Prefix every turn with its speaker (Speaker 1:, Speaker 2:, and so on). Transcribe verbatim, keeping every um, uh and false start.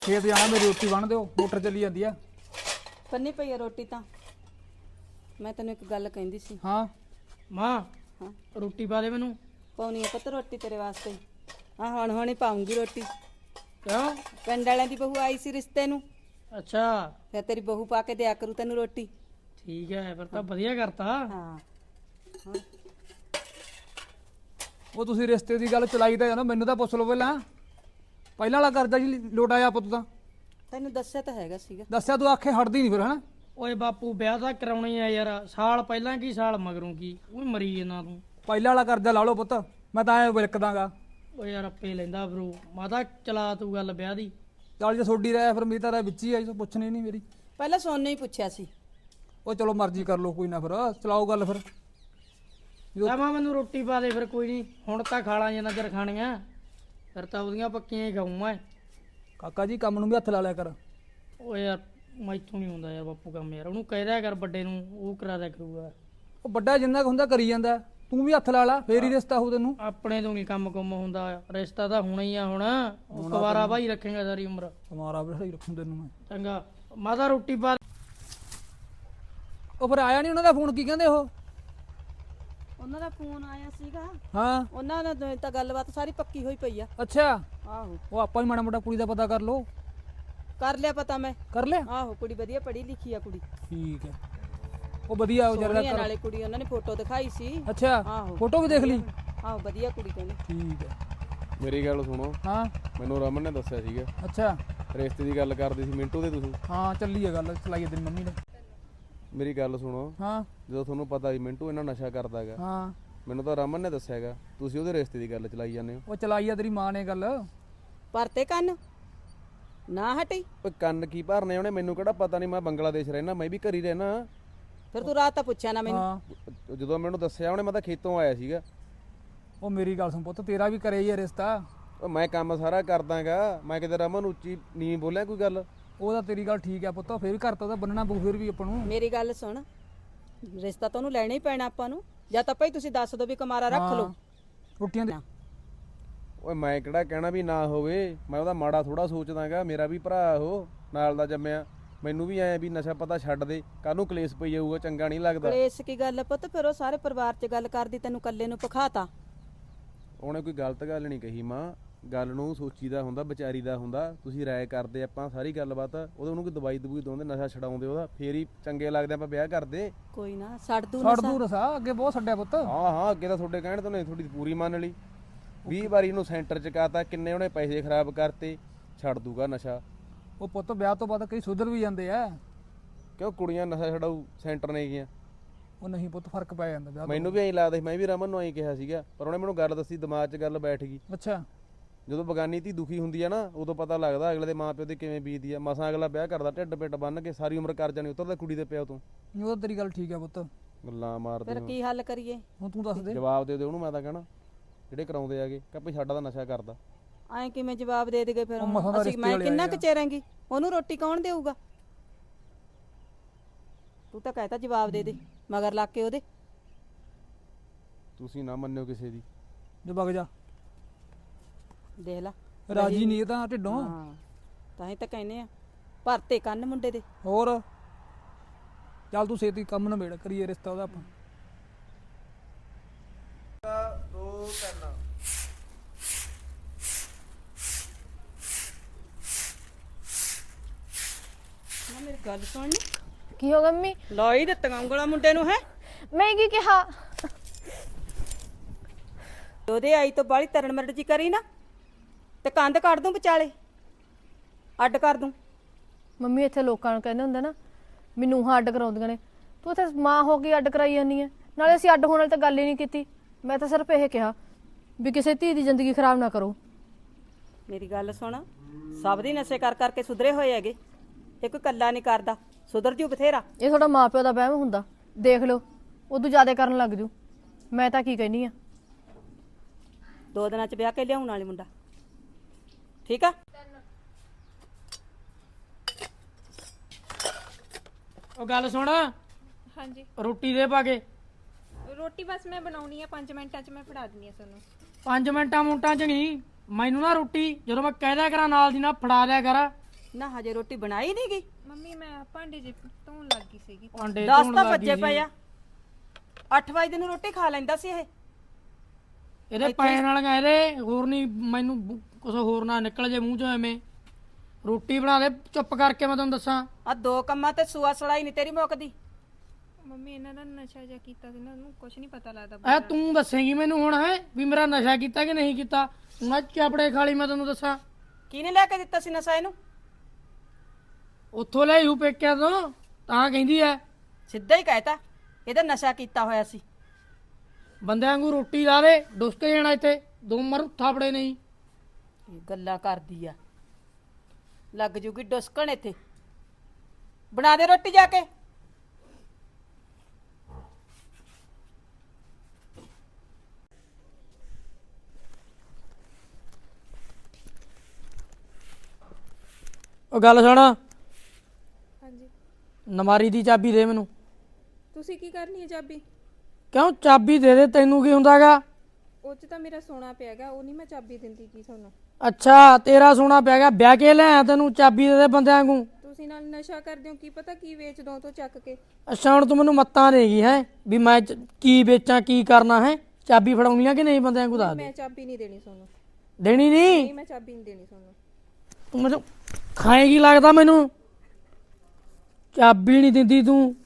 Speaker 1: ਖੇਤ ਜਾਣਾ ਮੇਰੀ ਰੋਟੀ ਬਣ ਦਿਓ ਮੋਟਰ ਚੱਲੀ ਜਾਂਦੀ ਆ।
Speaker 2: ਪੰਨੀ ਪਈ ਆ ਰੋਟੀ ਤਾਂ ਮੈਂ ਤੈਨੂੰ ਇੱਕ ਗੱਲ ਕਹਿੰਦੀ ਸੀ।
Speaker 1: ਹਾਂ
Speaker 3: ਮਾਂ
Speaker 2: ਹਾਂ
Speaker 3: ਰੋਟੀ ਪਾ ਦੇ ਮੈਨੂੰ।
Speaker 2: ਪਾਉਣੀ ਆ ਪੁੱਤ ਰੋਟੀ ਤੇਰੇ ਵਾਸਤੇ। ਹਾਂ ਹੁਣ ਹੁਣ ਹੀ ਪਾਉਂਗੀ ਰੋਟੀ।
Speaker 3: ਕਿਉਂ?
Speaker 2: ਪਿੰਡ ਵਾਲਿਆਂ ਦੀ ਬਹੂ ਆਈ ਸੀ ਰਿਸ਼ਤੇ ਨੂੰ,
Speaker 3: ਅੱਛਾ
Speaker 2: ਫਿਰ ਤੇਰੀ ਬਹੂ ਪਾ ਕੇ ਦਿਆ ਕਰੂ ਤੈਨੂੰ ਰੋਟੀ।
Speaker 3: ਠੀਕ ਹੈ ਫਿਰ ਤਾਂ ਵਧੀਆ ਕਰਤਾ।
Speaker 2: ਹਾਂ
Speaker 1: ਉਹ ਤੁਸੀਂ ਰਿਸ਼ਤੇ ਦੀ ਗੱਲ ਚਲਾਈ ਤਾਂ ਜਾਣਾ, ਮੈਨੂੰ ਤਾਂ ਪੁੱਛ ਲਓ ਪਹਿਲਾਂ। ਪਹਿਲਾਂ ਵਾਲਾ ਕਰਜ਼ਾ ਜੀ ਲੋਟ ਆਇਆ ਪੁੱਤ ਤਾਂ
Speaker 2: ਤੈਨੂੰ ਦੱਸਿਆ ਤਾਂ ਹੈਗਾ ਸੀਗਾ।
Speaker 1: ਦੱਸਿਆ ਤੂੰ ਆਖੇ ਹਟਦੀ ਨਹੀਂ ਫਿਰ ਹਨਾ।
Speaker 3: ਓਏ ਬਾਪੂ ਵਿਆਹ ਤਾਂ ਕਰਾਉਣੀ ਆ ਯਾਰ, ਸਾਲ ਪਹਿਲਾਂ ਕੀ ਸਾਲ ਮਗਰੋਂ ਕੀ, ਉਹ ਮਰੀ ਇਹਨਾਂ ਤੂੰ।
Speaker 1: ਪਹਿਲਾਂ ਵਾਲਾ ਕਰਜ਼ਾ ਲਾ ਲਓ ਪੁੱਤ, ਮੈਂ ਤਾਂ ਐ ਵਿਲਕਦਾਗਾ।
Speaker 3: ਓ ਯਾਰ ਆਪੇ ਲੈਂਦਾ ਬਰੂ, ਮਾਤਾ ਚਲਾ ਤੂੰ ਗੱਲ ਵਿਆਹ ਦੀ।
Speaker 1: ਚੱਲ ਜੇ ਸੋਡੀ ਰਹਿ ਫਿਰ ਮੇਰੀ ਤਾਂ ਰਹਿ ਵਿੱਚ ਹੀ ਆਈ, ਪੁੱਛਣੀ ਨਹੀਂ ਮੇਰੀ।
Speaker 2: ਪਹਿਲਾਂ ਸੋਨੇ ਹੀ ਪੁੱਛਿਆ ਸੀ।
Speaker 1: ਉਹ ਚਲੋ ਮਰਜ਼ੀ ਕਰ ਲਓ ਕੋਈ ਨਾ, ਫਿਰ ਚਲਾਓ ਗੱਲ ਫਿਰ।
Speaker 3: ਲੈ ਮਾਂ ਮੈਨੂੰ ਰੋਟੀ ਪਾ ਦੇ ਫਿਰ, ਕੋਈ ਨਹੀਂ ਹੁਣ ਤਾਂ ਖਾ ਲਾਂ ਜਿੰਨਾ ਚਿਰ ਖਾਣੀਆਂ, ਫਿਰ ਤਾਂ ਉਹਦੀਆਂ ਪੱਕੀਆਂ ਹੀ ਖਾਊਂ ਮੈਂ।
Speaker 1: ਕਾਕਾ ਜੀ ਕੰਮ ਨੂੰ ਵੀ ਹੱਥ ਲਾ ਲਿਆ ਕਰ।
Speaker 3: ਓ ਯਾਰ ਮੈਥੋਂ ਨਹੀਂ ਹੁੰਦਾ ਯਾਰ ਬਾਪੂ ਕੰਮ, ਯਾਰ ਉਹਨੂੰ ਕਹਿ ਦਿਆ ਕਰ ਵੱਡੇ ਨੂੰ, ਉਹ ਕਰਾ ਦਿਆ ਕਰੂਗਾ।
Speaker 1: ਉਹ ਵੱਡਾ ਜਿੰਨਾ ਕੁ ਹੁੰਦਾ ਕਰੀ ਜਾਂਦਾ, ਤੂੰ ਵੀ ਹੱਥ ਲਾ ਲਾ ਫੇਰ ਹੀ ਰਿਸ਼ਤਾ ਹੋਊ ਤੈਨੂੰ।
Speaker 3: ਆਪਣੇ ਤੋਂ ਨਹੀਂ ਕੰਮ ਕੁੰਮ ਹੁੰਦਾ, ਰਿਸ਼ਤਾ ਤਾਂ ਹੋਣਾ ਹੀ ਆ ਹੁਣ। ਉਹ ਕੁਵਾਰਾ ਭਾਈ ਰੱਖੇਗਾ ਸਾਰੀ ਉਮਰ।
Speaker 1: ਤੁਹਾਰਾ ਵੀ ਸਹੀ ਰੱਖੂ ਤੈਨੂੰ ਮੈਂ।
Speaker 3: ਚੰਗਾ ਮਾਤਾ ਰੋਟੀ ਪਾ।
Speaker 1: ਉਹ ਫਿਰ ਆਇਆ ਨਹੀਂ ਉਹਨਾਂ ਦਾ ਫੋਨ, ਕੀ ਕਹਿੰਦੇ ਉਹ?
Speaker 2: ਉਹਨਾਂ ਦਾ ਫੋਨ ਆਇਆ ਸੀਗਾ।
Speaker 1: ਹਾਂ
Speaker 2: ਉਹਨਾਂ ਨਾਲ ਤਾਂ ਗੱਲਬਾਤ ਸਾਰੀ ਪੱਕੀ ਹੋਈ ਪਈ ਆ।
Speaker 1: ਅੱਛਾ
Speaker 2: ਆਹੋ
Speaker 1: ਉਹ ਆਪਾਂ ਹੀ ਮਾੜਾ ਮੋਟਾ ਕੁੜੀ ਦਾ ਪਤਾ ਕਰ ਲਓ।
Speaker 2: ਕਰ ਲਿਆ ਪਤਾ ਮੈਂ।
Speaker 1: ਕਰ ਲਿਆ?
Speaker 2: ਆਹੋ ਕੁੜੀ ਵਧੀਆ ਪੜ੍ਹੀ ਲਿਖੀ ਆ ਕੁੜੀ।
Speaker 1: ਠੀਕ ਹੈ, ਉਹ ਵਧੀਆ ਉਹ
Speaker 2: ਸੋਹਣੀ ਆ
Speaker 1: ਜਰਾ।
Speaker 2: ਨਾਲੇ ਕੁੜੀ, ਉਹਨਾਂ ਨੇ ਫੋਟੋ ਦਿਖਾਈ ਸੀ।
Speaker 1: ਅੱਛਾ
Speaker 2: ਆਹੋ
Speaker 1: ਫੋਟੋ ਵੀ ਦੇਖ ਲਈ?
Speaker 2: ਆਹੋ ਵਧੀਆ ਕੁੜੀ ਕਹਿੰਦੇ।
Speaker 1: ਠੀਕ ਹੈ।
Speaker 4: ਮੇਰੀ ਗੱਲ ਸੁਣੋ,
Speaker 1: ਹਾਂ
Speaker 4: ਮੈਨੂੰ ਰਮਨ ਨੇ ਦੱਸਿਆ ਸੀਗਾ
Speaker 1: ਅੱਛਾ
Speaker 4: ਰਿਸ਼ਤੇ ਦੀ ਗੱਲ ਕਰਦੇ ਸੀ ਮਿੰਟੂ ਦੇ ਤੁਸੀਂ।
Speaker 1: ਹਾਂ ਚੱਲੀ ਹੈ ਗੱਲ, ਚਲਾਈ ਤੇਰੀ ਮੰਮੀ ਨੇ।
Speaker 4: ਮੇਰੀ ਗੱਲ ਸੁਣੋ,
Speaker 1: ਹਾਂ
Speaker 4: ਜਦੋਂ ਤੁਹਾਨੂੰ ਪਤਾ ਵੀ ਮਿੰਟੂ ਇਹਨਾਂ ਨਸ਼ਾ ਕਰਦਾ ਹੈਗਾ,
Speaker 1: ਹਾਂ
Speaker 4: ਮੈਨੂੰ ਤਾਂ ਰਮਨ ਨੇ ਦੱਸਿਆ ਹੈਗਾ, ਤੁਸੀਂ ਉਹਦੇ ਰਿਸ਼ਤੇ ਦੀ ਗੱਲ ਚਲਾਈ ਜਾਂਦੇ ਹੋ।
Speaker 1: ਉਹ ਚਲਾਈ ਆ ਤੇਰੀ ਮਾਂ ਨੇ ਗੱਲ।
Speaker 2: ਪਰਤੇ ਕੰਨ ਨਾ ਹਟੀ।
Speaker 4: ਓਏ ਕੰਨ ਕੀ ਭਰਨੇ ਉਹਨੇ, ਮੈਨੂੰ ਕਿਹੜਾ ਪਤਾ ਨਹੀਂ, ਮੈਂ ਬੰਗਲਾਦੇਸ਼ ਰਹਿਣਾ, ਮੈਂ ਵੀ ਘਰ ਹੀ ਰਹਿਣਾ।
Speaker 2: ਫਿਰ ਤੂੰ ਰਾਤ ਤਾਂ ਪੁੱਛਿਆ ਨਾ ਮੈਨੂੰ।
Speaker 1: ਹਾਂ
Speaker 4: ਜਦੋਂ ਮੈਨੂੰ ਦੱਸਿਆ ਉਹਨੇ, ਮੈਂ ਤਾਂ ਖੇਤੋਂ ਆਇਆ ਸੀਗਾ।
Speaker 1: ਉਹ ਮੇਰੀ ਗੱਲ ਸੁਣ ਪੁੱਤ, ਤੇਰਾ ਵੀ ਕਰੇ ਹੀ ਆ ਰਿਸ਼ਤਾ।
Speaker 4: ਉਹ ਮੈਂ ਕੰਮ ਸਾਰਾ ਕਰਦਾਗਾ, ਮੈਂ ਕਿਤੇ ਰਮਨ ਉੱਚੀ ਨਹੀਂ ਬੋਲਿਆ ਕੋਈ ਗੱਲ।
Speaker 1: ਉਹ ਤਾਂ ਤੇਰੀ ਗੱਲ ਠੀਕ ਆ ਪੁੱਤ, ਫੇਰ ਵੀ ਘਰ ਤਾਂ ਉਹਦਾ ਬੰਨਣਾ ਪਊ ਫਿਰ ਵੀ ਆਪਾਂ ਨੂੰ।
Speaker 2: ਮੇਰੀ ਗੱਲ ਸੁਣ, ਰਿਸ਼ਤਾ ਤਾਂ ਉਹਨੂੰ ਲੈਣਾ ਹੀ ਪੈਣਾ ਆਪਾਂ ਨੂੰ, ਜਾਂ ਤਾਂ ਭਾਈ ਤੁਸੀਂ ਦੱਸ ਦਿਓ ਵੀ ਕੁਮਾਰਾ ਰੱਖ ਲਓ।
Speaker 1: ਰੋਟੀਆਂ ਦੇ
Speaker 4: ਓਏ ਮੈਂ ਕਿਹੜਾ ਕਹਿਣਾ ਵੀ ਨਾ ਹੋਵੇ, ਮੈਂ ਉਹਦਾ ਮਾੜਾ ਥੋੜਾ ਸੋਚਦਾਗਾ, ਮੇਰਾ ਵੀ ਭਰਾ ਉਹ ਨਾਲ ਦਾ ਜੰਮਿਆ। ਮੈਨੂੰ ਵੀ ਐ ਵੀ ਨਸ਼ਾ ਪਤਾ ਛੱਡ ਦੇ, ਕਾਹਨੂੰ ਕਲੇਸ਼ ਪਈ ਜਾਊਗਾ, ਚੰਗਾ ਨਹੀਂ ਲੱਗਦਾ।
Speaker 2: ਕਲੇਸ਼ ਕੀ ਗੱਲ ਆ ਪੁੱਤ, ਫਿਰ ਉਹ ਸਾਰੇ ਪਰਿਵਾਰ 'ਚ ਗੱਲ ਕਰਦੀ, ਤੈਨੂੰ ਇਕੱਲੇ ਨੂੰ ਪਖਾਤਾ।
Speaker 4: ਉਹਨੇ ਕੋਈ ਗਲਤ ਗੱਲ ਨਹੀਂ ਕਹੀ ਮਾਂ, ਗੱਲ ਨੂੰ ਸੋਚੀਦਾ ਹੁੰਦਾ, ਵਿਚਾਰੀ ਦਾ ਹੁੰਦਾ। ਤੁਸੀਂ ਰਾਏ ਕਰਦੇ ਆਪਾਂ ਸਾਰੀ ਗੱਲਬਾਤ, ਉਹਦੇ ਉਹਨੂੰ ਕੋਈ ਦਵਾਈ ਦਵੂਈ ਦੋਂਦੇ, ਨਸ਼ਾ ਛਡਾਉਂਦੇ ਉਹਦਾ, ਫੇਰ ਹੀ ਚੰਗੇ ਲੱਗਦੇ ਆਪਾਂ ਵਿਆਹ ਕਰਦੇ।
Speaker 2: ਕੋਈ ਨਾ ਛੱਡ ਦੂ
Speaker 1: ਛੱਡ ਦੂ ਰਸਾ, ਅੱਗੇ ਬਹੁਤ ਛੱਡਿਆ ਪੁੱਤ।
Speaker 4: ਹਾਂ ਹਾਂ ਅੱਗੇ ਤਾਂ ਤੁਹਾਡੇ ਕਹਿਣ ਤੋਂ ਨਹੀਂ, ਤੁਹਾਡੀ ਪੂਰੀ ਮੰਨ ਲਈ। ਵੀਹ ਵਾਰੀ ਇਹਨੂੰ ਸੈਂਟਰ ਚ ਕਾਤਾ, ਕਿੰਨੇ ਉਹਨੇ ਪੈਸੇ ਖਰਾਬ ਕਰਤੇ, ਛੱਡ ਦੂਗਾ ਨਸ਼ਾ।
Speaker 1: ਉਹ ਪੁੱਤ ਵਿਆਹ ਤੋਂ ਬਾਅਦ ਕਈ ਸੁਧਰ ਵੀ ਜਾਂਦੇ ਆ।
Speaker 4: ਕਿਉਂ ਕੁੜੀਆਂ ਨਸ਼ਾ ਛਡਾਊ ਸੈਂਟਰ ਨੇ ਗਈਆਂ?
Speaker 1: ਉਹ ਨਹੀਂ ਪੁੱਤ ਫਰਕ ਪੈ ਜਾਂਦਾ ਵਿਆਹ ਤੋਂ।
Speaker 4: ਮੈਨੂੰ ਵੀ ਐਂ ਲੱਗਦਾ ਸੀ, ਮੈਂ ਵੀ ਰਮਨ ਨੂੰ ਐਂ ਕਿਹਾ ਸੀਗਾ, ਪਰ ਉਹਨੇ ਮੈਨੂੰ ਗੱਲ ਦੱਸੀ, ਦਿਮਾਗ 'ਚ ਗੱਲ ਬੈਠ ਗਈ।
Speaker 1: ਅੱਛਾ
Speaker 4: ਜਦੋਂ ਬਗਾਨੀ ਧੀ ਦੁਖੀ ਹੁੰਦੀ ਆ ਨਾ, ਉਦੋਂ ਪਤਾ ਲੱਗਦਾ ਅਗਲੇ ਦੇ ਮਾਂ ਪਿਓ ਦੇ ਕਿਵੇਂ ਬੀਤਦੀ ਆ। ਮਸਾਂ ਅਗਲਾ ਵਿਆਹ ਕਰਦਾ ਢਿੱਡ ਪਿੱਟ ਬੰਨ ਕੇ, ਸਾਰੀ ਉਮਰ ਕਰਜ਼ਾ ਨਹੀਂ ਉਤਰਦਾ ਕੁੜੀ ਦੇ ਪਿਓ ਤੋਂ।
Speaker 1: ਉਹ ਤਾਂ ਤੇਰੀ ਗੱਲ ਠੀਕ ਆ ਪੁੱਤ,
Speaker 4: ਗੱਲਾਂ ਮਾਰਦੇ
Speaker 2: ਫਿਰ
Speaker 4: ਹੋ।
Speaker 2: ਕੀ ਹੱਲ ਕਰੀਏ?
Speaker 1: ਹੁਣ ਤੂੰ ਦੱਸ ਦੇ।
Speaker 4: ਜਵਾਬ ਦੇ ਦੇ ਉਹਨੂੰ, ਮੈਂ ਤਾਂ ਕਹਿਣਾ ਜਿਹੜੇ ਕਰਾਉਂਦੇ ਆਗੇ ਕਿ ਭਈ ਸਾਡਾ ਤਾਂ ਨਸ਼ਾ ਕਰਦਾ।
Speaker 2: ਐਂ ਕਿਵੇਂ ਜਵਾਬ ਦੇ ਦੇਗੇ ਫਿਰ?
Speaker 1: ਉਹ ਮਸਾਂ ਦਾ
Speaker 2: ਅਸੀਂ
Speaker 1: ਰਿਸ਼ਤੇ
Speaker 2: ਮੈਂ
Speaker 1: ਵਾਲੇ
Speaker 2: ਕਿੰਨਾ
Speaker 1: ਆਏ
Speaker 2: ਕੁ
Speaker 1: ਆ।
Speaker 2: ਚਿਰਾਂਗੀ, ਉਹਨੂੰ ਰੋਟੀ ਕੌਣ ਦੇਊਗਾ? ਤੂੰ ਤਾਂ ਕਹਿਤਾ ਜਵਾਬ ਦੇ ਦੇ, ਮਗਰ ਲੱਗ ਕੇ ਉਹਦੇ।
Speaker 4: ਤੁਸੀਂ ਨਾ ਮੰਨਿਓ ਕਿਸੇ ਦੀ।
Speaker 1: ਜੋ ਵਗ ਜਾ,
Speaker 2: ਦੇਖ ਲਾ
Speaker 1: ਰਾਜੀ ਨਹੀਂ ਇਹ ਤਾਂ ਢਿੱਡੋਂ।
Speaker 2: ਹਾਂ ਤਾਂ ਹੀ ਤਾਂ ਕਹਿੰਦੇ ਆ, ਭਰਤੇ ਕੰਨ ਮੁੰਡੇ ਦੇ।
Speaker 1: ਹੋਰ ਚੱਲ ਤੂੰ ਛੇਤੀ ਕੰਮ ਨਿਬੇੜ, ਕਰੀਏ ਰਿਸ਼ਤਾ ਉਹਦਾ ਆਪਾਂ।
Speaker 4: ਦੋ ਤਿੰਨ
Speaker 2: ਨਾ ਮੇਰੀ ਗੱਲ ਸੁਣ,
Speaker 5: ਕੀ ਹੋ ਗਿਆ ਮੰਮੀ?
Speaker 2: ਲਾਈ ਦਿੱਤੀਆਂ ਉਂਗਲਾਂ ਮੁੰਡੇ ਨੂੰ। ਹੈ
Speaker 5: ਮੈਂ ਕੀ ਕਿਹਾ?
Speaker 2: ਉਹਦੇ ਆਈ ਤੋਂ ਬਾਹਲੀ ਤਰਨ ਮਰਡ ਜੀ ਕਰੀ ਨਾ, ਤੇ ਕੰਧ ਕੱਢ ਦੂੰ ਵਿਚਾਲੇ, ਅੱਡ ਕਰ ਦੂੰ।
Speaker 5: ਮੰਮੀ ਇੱਥੇ ਲੋਕਾਂ ਨੂੰ ਕਹਿੰਦੇ ਹੁੰਦੇ ਨਾ ਮੈਨੂੰ ਹਾਂ ਅੱਡ ਕਰਾਉਂਦੀਆਂ ਨੇ, ਤੂੰ ਇੱਥੇ ਮਾਂ ਹੋ ਕੇ ਅੱਡ ਕਰਾਈ ਜਾਂਦੀ ਹੈ। ਨਾਲੇ ਅਸੀਂ ਅੱਡ ਹੋਣ ਵਾਲੀ ਤਾਂ ਗੱਲ ਹੀ ਨਹੀਂ ਕੀਤੀ, ਮੈਂ ਤਾਂ ਸਿਰਫ ਇਹ ਕਿਹਾ ਵੀ ਕਿਸੇ ਧੀ ਦੀ ਜ਼ਿੰਦਗੀ ਖਰਾਬ ਨਾ ਕਰੋ।
Speaker 2: ਮੇਰੀ ਗੱਲ ਸੁਣ, ਸਭ ਦੀ ਨਸ਼ੇ ਕਰ ਕਰਕੇ ਸੁਧਰੇ ਹੋਏ ਹੈਗੇ, ਇਹ ਕੋਈ ਕੱਲਾ ਨਹੀਂ ਕਰਦਾ, ਸੁਧਰ ਜੂ ਬਥੇਰਾ।
Speaker 5: ਇਹ ਤੁਹਾਡਾ ਮਾਂ ਪਿਓ ਦਾ ਵਹਿਮ ਹੁੰਦਾ, ਦੇਖ ਲਓ ਉਦੋਂ ਜ਼ਿਆਦਾ ਕਰਨ ਲੱਗ ਜੂ। ਮੈਂ ਤਾਂ ਕੀ ਕਹਿਨੀ ਆ,
Speaker 2: ਦੋ ਦਿਨਾਂ ਚ ਵਿਆਹ ਕੇ ਲਿਆਉਣ ਵਾਲੇ ਮੁੰਡਾ, ਠੀਕ ਆ?
Speaker 3: ਉਹ ਗੱਲ ਸੁਣ,
Speaker 6: ਹਾਂਜੀ
Speaker 3: ਰੋਟੀ ਦੇ ਪਾ ਕੇ।
Speaker 6: ਰੋਟੀ ਬਸ ਮੈਂ ਬਣਾਉਣੀ ਆ, ਪੰਜ ਮਿੰਟਾਂ 'ਚ ਮੈਂ ਫੜਾ ਦਿੰਦੀ ਆ ਤੁਹਾਨੂੰ।
Speaker 3: ਪੰਜ ਮਿੰਟਾਂ ਮੁੰਟਾਂ ਚ ਨਹੀਂ, ਮੈਨੂੰ ਨਾ ਰੋਟੀ ਜਦੋਂ ਮੈਂ ਕਹਿ ਦਿਆ ਕਰਾਂ ਨਾਲ ਦੀ ਨਾਲ ਫੜਾ ਦਿਆ ਕਰ।
Speaker 2: ਨਾ ਹਜੇ ਰੋਟੀ ਬਣਾਈ ਨਹੀਂ ਗਈ।
Speaker 6: ਮੰਮੀ ਮੈਂ ਭਾਂਡੇ ਜੇ ਧੋਣ ਲੱਗ ਗਈ ਸੀਗੀ।
Speaker 3: ਭਾਂਡੇ
Speaker 2: ਦਸ
Speaker 3: ਧੋਣ
Speaker 2: ਤਾਂ
Speaker 3: ਲੱਗ
Speaker 2: ਵੱਜੇ
Speaker 3: ਗਈ
Speaker 2: ਪਏ
Speaker 3: ਸੀ।
Speaker 2: ਆ। ਅੱਠ ਵਜੇ ਨੂੰ ਰੋਟੀ ਖਾ ਲੈਂਦਾ ਸੀ ਇਹ।
Speaker 3: ਇਹਦੇ ਪੈਣ ਵਾਲੀਆਂ ਇਹਦੇ ਹੋਰ ਨਹੀਂ ਮੈਨੂੰ ਕੁਛ ਹੋਰ ਨਾ ਨਿਕਲ ਜੇ ਮੂੰਹ ਚੋਂ ਐਵੇਂ। ਰੋਟੀ ਬਣਾ ਦੇ ਚੁੱਪ ਕਰਕੇ, ਮੈਂ ਤੁਹਾਨੂੰ ਦੱਸਾਂ।
Speaker 2: ਆ ਦੋ ਕੰਮਾਂ ਤੇ ਸੂਆ ਸੜਾਈ ਨਹੀਂ ਤੇਰੀ ਮੁੱਕਦੀ।
Speaker 6: ਮੰਮੀ ਇਹਨਾਂ ਦਾ ਨਸ਼ਾ ਜਿਹਾ ਕੀਤਾ ਸੀ ਨਾ, ਉਹਨੂੰ ਕੁਝ ਨਹੀਂ ਪਤਾ ਲੱਗਦਾ।
Speaker 3: ਐ ਤੂੰ ਦੱਸੇਂਗੀ ਮੈਨੂੰ ਹੁਣ ਹੈ ਵੀ ਮੇਰਾ ਨਸ਼ਾ ਕੀਤਾ ਕਿ ਨਹੀਂ ਕੀਤਾ? ਮੈਂ ਚਾਪੜੇ ਖਾਲੀ, ਮੈਂ ਤੈਨੂੰ ਦੱਸਾਂ।
Speaker 2: ਕਿਹਨੇ ਲੈ ਕੇ ਦਿੱਤਾ ਸੀ ਨਸ਼ਾ ਇਹਨੂੰ?
Speaker 3: ਉੱਥੋਂ ਲੈ ਹੂ ਪੇਕਿਆਂ ਤੋਂ, ਤਾਂ ਕਹਿੰਦੀ ਐ।
Speaker 2: ਸਿੱਧਾ ਹੀ ਕਹਿਤਾ ਇਹਦਾ ਨਸ਼ਾ ਕੀਤਾ ਹੋਇਆ ਸੀ।
Speaker 3: ਬੰਦਿਆਂ ਵਾਂਗੂ ਰੋਟੀ ਲਾ ਦੇ, ਡੁੱਸ ਕੇ ਜਾਣਾ ਇੱਥੇ। ਦੋ ਮਰ ਥਾਪੜੇ ਨਹੀਂ।
Speaker 2: ਇਹ ਗੱਲਾਂ ਕਰਦੀ ਆ, ਲੱਗ ਜੂਗੀ ਡੁਸਕਣ ਇੱਥੇ। ਬਣਾ ਦੇ ਰੋਟੀ ਜਾ ਕੇ।
Speaker 3: ਉਹ ਗੱਲ ਸੁਣ,
Speaker 6: ਹਾਂਜੀ
Speaker 3: ਨਮਾਰੀ ਦੀ ਚਾਬੀ ਦੇ ਮੈਨੂੰ।
Speaker 6: ਤੁਸੀਂ ਕੀ ਕਰਨੀ ਹੈ ਚਾਬੀ?
Speaker 3: ਕਿਉਂ? ਚਾਬੀ ਦੇ ਦੇ, ਤੈਨੂੰ ਕੀ ਹੁੰਦਾਗਾ?
Speaker 6: ਉਹ 'ਚ ਤਾਂ ਮੇਰਾ ਸੋਨਾ ਪਿਆਗਾ, ਉਹ ਨਹੀਂ ਮੈਂ ਚਾਬੀ ਦਿੰਦੀ ਕੀ ਤੁਹਾਨੂੰ।
Speaker 3: ਅੱਛਾ, ਤੇਰਾ ਸੋਨਾ ਪੈ ਗਿਆ, ਵਿਆਹ ਕੇ ਲਿਆ ਤੈਨੂੰ, ਚਾਬੀ ਦੇ ਦੇ ਬੰਦਿਆਂ ਵਾਂਗੂ।
Speaker 6: ਤੁਸੀਂ ਨਾਲ ਨਸ਼ਾ ਕਰਦੇ ਹੋ, ਕੀ ਪਤਾ ਕੀ ਵੇਚ ਦੋ ਤੋਂ ਚੱਕ ਕੇ।
Speaker 3: ਅੱਛਾ, ਹੁਣ ਤੂੰ ਮੈਨੂੰ ਮੱਤਾਂ ਦੇਗੀ ਹੈ ਵੀ ਮੈਂ ਚ- ਕੀ ਵੇਚਾਂ, ਕੀ ਕਰਨਾ ਹੈ? ਚਾਬੀ ਫੜਾਉਣੀ ਆ ਕਿ ਨਹੀਂ? ਬੰਦਿਆਂ ਵਾਂਗੂ ਦੱਸ ਦੇ।
Speaker 6: ਮੈਂ ਚਾਬੀ ਨਹੀਂ ਦੇਣੀ ਤੁਹਾਨੂੰ।
Speaker 3: ਦੇਣੀ ਨਹੀਂ?
Speaker 6: ਨਹੀਂ ਮੈਂ ਚਾਬੀ ਨਹੀਂ ਦੇਣੀ ਤੁਹਾਨੂੰ।
Speaker 3: ਤੂੰ ਮੈਨੂੰ ਖਾਏਗੀ ਲੱਗਦਾ ਮੈਨੂੰ। ਚਾਬੀ ਨਹੀਂ ਦਿੰਦੀ ਤੂੰ।